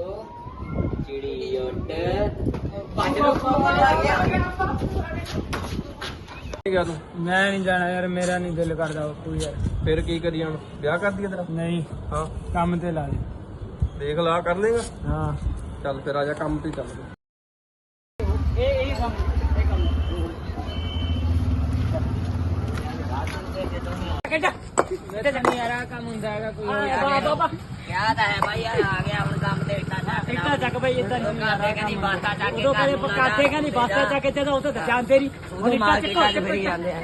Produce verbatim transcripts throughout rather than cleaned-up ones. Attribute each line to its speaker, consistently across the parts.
Speaker 1: चिड़ी उठ भज लो आ गया
Speaker 2: ਗਿਆ ਤੂੰ
Speaker 3: मैं नहीं जाना यार, मेरा नहीं दिल करता बापू यार।
Speaker 2: ਫਿਰ ਕੀ ਕਰੀ ਹੁਣ ਵਿਆਹ ਕਰ ਦਈਏ ਤੇਰਾ
Speaker 3: नहीं
Speaker 2: ਹਾਂ
Speaker 3: काम ते ला दे।
Speaker 2: ਦੇਖ ਲਾ ਕਰ ਲੇਗਾ
Speaker 3: हाँ
Speaker 2: ਚੱਲ ਫਿਰ ਆ ਜਾ ਕੰਮ ਤੇ ਚੱਲ
Speaker 3: ए ए काम ए काम नहीं यार काम ਹੁੰਦਾ ਹੈਗਾ ਕੋਈ ਬਾਬਾ
Speaker 1: क्या था है भाई यार आ गया ਹੁਣ ਕੰਮ ਤੇ ਇੱਟਾਂ ਚੱਕ
Speaker 3: ਇੱਟਾਂ ਚੱਕ ਬਈ ਇੱਦਾਂ ਨਹੀਂ
Speaker 1: ਕਾਤੇ ਕਹਿੰਦੀ ਬਾਤਾਂ ਚੱਕ ਕੇ
Speaker 3: ਉਦੋਂ ਕਦੇ ਪਕਾਤੇ ਕਹਿੰਦੀ ਬਾਤਾਂ ਚੱਕ ਕੇ ਤੇ ਉਹ ਤਾਂ ਜਾਣਦੇ ਨਹੀਂ
Speaker 1: ਉਹ ਮਾਰਕੀਟਾਂ 'ਚ ਫਿਰੀ ਜਾਂਦੇ ਆ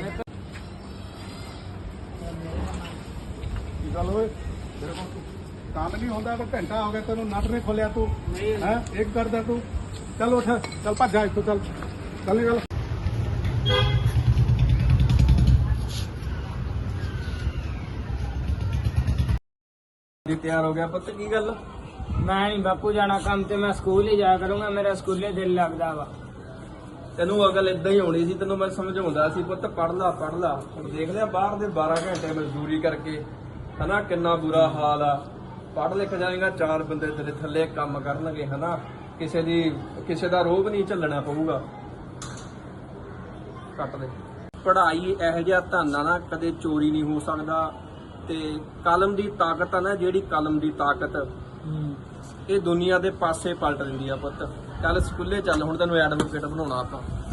Speaker 4: ਕੀ ਗੱਲ ਹੋਏ ਮੇਰੇ ਕੋਲ ਕੰਮ ਨਹੀਂ ਹੁੰਦਾ ਤਾਂ ਘੰਟਾ ਹੋ ਗਿਆ ਤੈਨੂੰ ਨਟ ਨਹੀਂ ਖੋਲਿਆ ਤੂੰ ਹੈ ਇੱਕ ਕਰਦਾ ਤੂੰ ਚੱਲ ਉੱਠ ਚੱਲ ਭੱਜ ਜਾ ਇੱਥੋਂ ਚੱਲ ਚੱਲ ਗੱਲ
Speaker 2: ਜੀ ਤਿਆਰ ਹੋ ਗਿਆ ਪੁੱਤ ਕੀ ਗੱਲ
Speaker 3: ਮੈਂ ਨਹੀਂ ਬਾਪੂ ਜਾਣਾ ਕੰਮ ਤੇ, ਮੈਂ ਸਕੂਲ ਹੀ ਜਾਇਆ ਕਰੂੰਗਾ, ਮੇਰਾ ਸਕੂਲੇ ਦਿਲ ਲੱਗਦਾ ਵਾ।
Speaker 2: ਤੈਨੂੰ ਅਗਲ ਇਦਾਂ ਹੀ ਹੋਣੀ ਸੀ, ਤੈਨੂੰ ਮੈਂ ਸਮਝਾਉਂਦਾ ਸੀ ਪੁੱਤ ਪੜ ਲਾ ਪੜ ਲਾ। ਹੁਣ ਦੇਖ ਲਿਆ ਬਾਹਰ ਦੇ ਬਾਰਾਂ ਘੰਟੇ ਮਜ਼ਦੂਰੀ ਕਰਕੇ ਹਨਾ ਕਿੰਨਾ ਬੁਰਾ ਹਾਲ ਆ। ਪੜ ਲਿਖ ਜਾਏਗਾ ਚਾਰ ਬੰਦੇ ਤੇਰੇ ਥੱਲੇ ਕੰਮ ਕਰਨਗੇ ਹਨਾ, ਕਿਸੇ ਦੀ ਕਿਸੇ ਦਾ ਰੋਬ ਨਹੀਂ ਝੱਲਣਾ ਪਊਗਾ। ਕੱਟ ਦੇ ਪੜ੍ਹਾਈ ਇਹੋ ਜਿਹਾ ਧਨ ਆ ਨਾ, ਕਦੇ ਚੋਰੀ ਨਹੀਂ ਹੋ ਸਕਦਾ। ਤੇ ਕਲਮ ਦੀ ਤਾਕਤ ਆ ਨਾ, ਜਿਹੜੀ ਕਲਮ ਦੀ ਤਾਕਤ ਇਹ ਦੁਨੀਆ ਦੇ ਪਾਸੇ ਪਲਟ ਦਿੰਦੀ ਆ ਪੁੱਤ। ਚੱਲ ਸਕੂਲੇ ਚੱਲ, ਹੁਣ ਤੈਨੂੰ ਐਡਵੋਕੇਟ ਬਣਾਉਣਾ ਆਪਾਂ।